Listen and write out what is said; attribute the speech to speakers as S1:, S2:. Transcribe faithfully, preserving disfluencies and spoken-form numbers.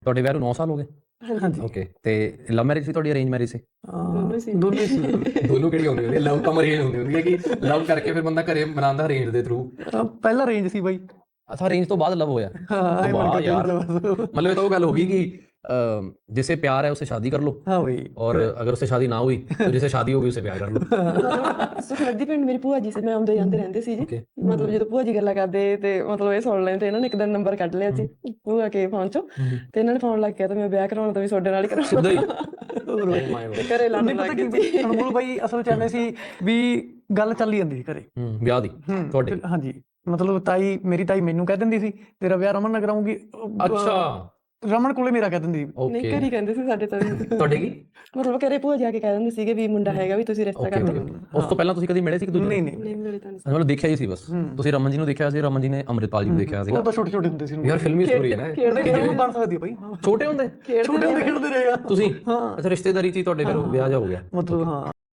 S1: ਤੁਹਾਡੇ ਵਿਆਹ ਨੂੰ ਨੌ ਸਾਲ ਹੋ ਗਏ?
S2: ਹਾਂਜੀ।
S1: ਓਕੇ। ਤੇ ਲਵ ਮੈਰਿਜ ਸੀ ਤੁਹਾਡੀ, ਅਰੇਂਜ ਮੈਰਿਜ ਸੀ?
S2: ਦੋਨੋਂ ਸੀ ਦੋਨੋਂ ਸੀ
S1: ਦੋਨੋਂ ਕਿਹੜੀ ਹੁੰਦੀ ਹੁੰਦੀ? ਲਵ ਕਮ ਅਰੇਂਜ ਹੁੰਦੀ ਹੁੰਦੀ ਹੈ ਕਿ ਲਵ ਕਰਕੇ ਫਿਰ ਬੰਦਾ ਘਰੇ ਬਣਾਉਂਦਾ ਅਰੇਂਜ ਦੇ ਥਰੂ?
S2: ਪਹਿਲਾਂ ਰੇਂਜ ਸੀ ਬਾਈ।
S1: ਅੱਛਾ, ਅਰੇਂਜ ਤੋਂ ਬਾਅਦ ਲਵ ਹੋਇਆ?
S2: ਹਾਂ ਇਹ
S1: ਵਾਹ
S2: ਮੰਨ ਕੇ
S1: यार,
S2: ਚੱਲ ਬਸ।
S1: मतलब ये तो वो गल होगी कि अ, जिसे प्यार है उसे शादी कर लो,
S2: हाँ भाई।
S1: और अगर उससे शादी ना हुई तो जिसे शादी होगी उसे प्यार कर लो।
S3: ਸੁਖਨਦੀ ਪਿੰਡ ਮੇਰੀ ਭੂਆ ਜੀ ਸੀ, ਮੈਂ ਆਉਂਦੇ ਜਾਂਦੇ ਰਹਿੰਦੇ ਸੀ ਜੀ।
S1: Okay.
S3: ਮਤਲਬ ਜਦੋਂ ਭੂਆ ਜੀ ਗੱਲਾਂ ਕਰਦੇ ਤੇ ਮਤਲਬ ਇਹ ਸੁਣ ਲੈਣ ਤੇ ਇਹਨਾਂ ਨੇ ਇੱਕ ਦਿਨ ਨੰਬਰ ਕੱਢ ਲਿਆ ਸੀ ਭੂਆ ਕੇ ਫੋਨ ਚੋਂ, ਤੇ ਇਹਨਾਂ ਨੇ ਫੋਨ ਲੱਗ ਗਿਆ ਤਾਂ ਮੈਂ ਵਿਆਹ ਕਰਾਉਣਾ ਤਾਂ ਵੀ ਤੁਹਾਡੇ ਨਾਲ ਹੀ ਕਰਾਉਣਾ।
S1: ਸਿੱਧਾ ਹੀ?
S3: ਤੇ ਘਰੇ ਲੜਨ
S2: ਨਹੀਂ
S3: ਲੱਗ
S2: ਪਤਾ
S3: ਗਏ
S2: ਕੀ
S3: ਸੀ।
S2: ਅਨਮੋਲ ਬਾਈ ਅਸਲ ਚ ਐਵੇਂ ਸੀ ਵੀ ਗੱਲ ਚੱਲੀ ਜਾਂਦੀ ਸੀ ਘਰੇ।
S1: ਹੂੰ, ਵਿਆਹ ਦੀ ਤੁਹਾਡੇ?
S2: ਹਾਂਜੀ, ਮਤਲਬ ਤਾਈ ਮੇਰੀ ਤਾਈ ਮੈਨੂੰ ਕਹਿ ਦਿੰਦੀ ਸੀ ਤੇਰਾ ਵਿਆਹ ਰਮਨ ਨਾਲ ਕਰਾਉਂਗੀ।
S1: ਅੱਛਾ,
S2: ਰਮਨ ਕੋਲੇ ਮੇਰਾ ਕਹਿ ਦਿੰਦੀ ਸੀ।
S3: ਨਹੀਂ
S1: ਓਕੇ।
S3: ਘਰੇ ਹੀ ਕਹਿੰਦੇ ਸੀ ਸਾਡੇ ਤਾਂ ਵੀ।
S1: ਤੁਹਾਡੇ ਕੀ?
S3: ਮਤਲਬ ਘਰੇ ਭੂਆ ਜਾ ਕੇ ਕਹਿ ਦਿੰਦੇ ਸੀਗੇ ਵੀ ਮੁੰਡਾ ਹੈਗਾ ਵੀ ਤੁਸੀਂ ਰਿਸ਼ਤਾ ਕਰ ਦਿਓ।
S1: ਉਸ ਤੋਂ ਪਹਿਲਾਂ ਤੁਸੀਂ ਕਦੀ ਮਿਲੇ ਸੀ ਕਿ ਦੂਜੇ?
S2: ਨਹੀਂ ਨਹੀਂ
S3: ਨਹੀਂ ਮਿਲੇ ਤਾਂ ਨਹੀਂ।
S1: ਮਤਲਬ ਦੇਖਿਆ ਹੀ ਸੀ ਬਸ। ਤੁਸੀਂ ਰਮਨ ਜੀ ਨੂੰ ਦੇਖਿਆ ਸੀ, ਰਮਨ ਜੀ ਨੇ ਅੰਮ੍ਰਿਤਪਾਲ ਜੀ ਨੂੰ ਦੇਖਿਆ ਸੀਗਾ?
S2: ਉਹ ਤਾਂ ਛੋਟੇ ਛੋਟੇ ਹੁੰਦੇ ਸੀ।
S1: ਯਾਰ ਫਿਲਮੀ ਸਟੋਰੀ ਹੈ ਨਾ ਇਹ।
S3: ਖੇਡਦੇ
S2: ਇਹ ਬਣ ਸਕਦੀ ਹੈ ਬਾਈ।
S1: ਛੋਟੇ ਹੁੰਦੇ?
S2: ਛੋਟੇ ਹੁੰਦੇ ਖੇਡਦੇ ਰਹੇ ਆ
S1: ਤੁਸੀਂ? ਅੱਛਾ, ਰਿਸ਼ਤੇਦਾਰੀ ਚ ਹੀ ਤੁਹਾਡੇ ਫਿਰ ਵਿਆਹ ਜਾ ਹੋ ਗਿਆ?
S2: ਮਤਲਬ ਹਾਂ।